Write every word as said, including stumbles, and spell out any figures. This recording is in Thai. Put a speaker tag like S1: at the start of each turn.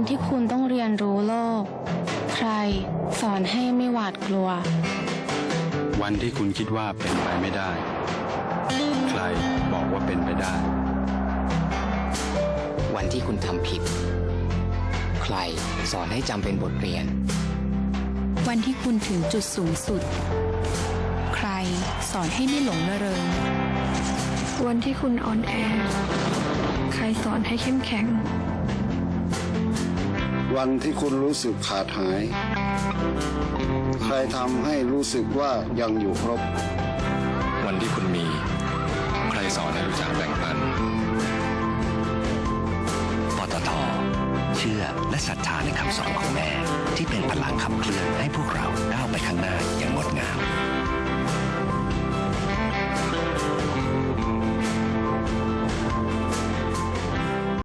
S1: ที่คุณต้องเรียนรู้โลกใครสอนให้ไม่หวาดกลัว
S2: วันที่คุณคิดว่าเป็นไปไม่ได้ใครบอกว่าเป็นไปได้
S3: วันที่คุณทำผิดใครสอนให้จำเป็นบทเรียน
S4: วันที่คุณถึงจุดสูงสุดใครสอนให้ไม่หลงระเริง
S5: วันที่คุณอ่อนแอใครสอนให้เข้มแข็ง
S6: วันที่คุณรู้สึกขาดหายใครทำให้รู้สึกว่ายังอยู่ครบ
S7: วันที่คุณมีใครสอนให้รู้จักแบ่งปัน
S8: ปตท.เชื่อและศรัทธาในคำสอนของแม่ที่เป็นพลังขับเคลื่อนให้พวกเราก้าวไปข้างหน้า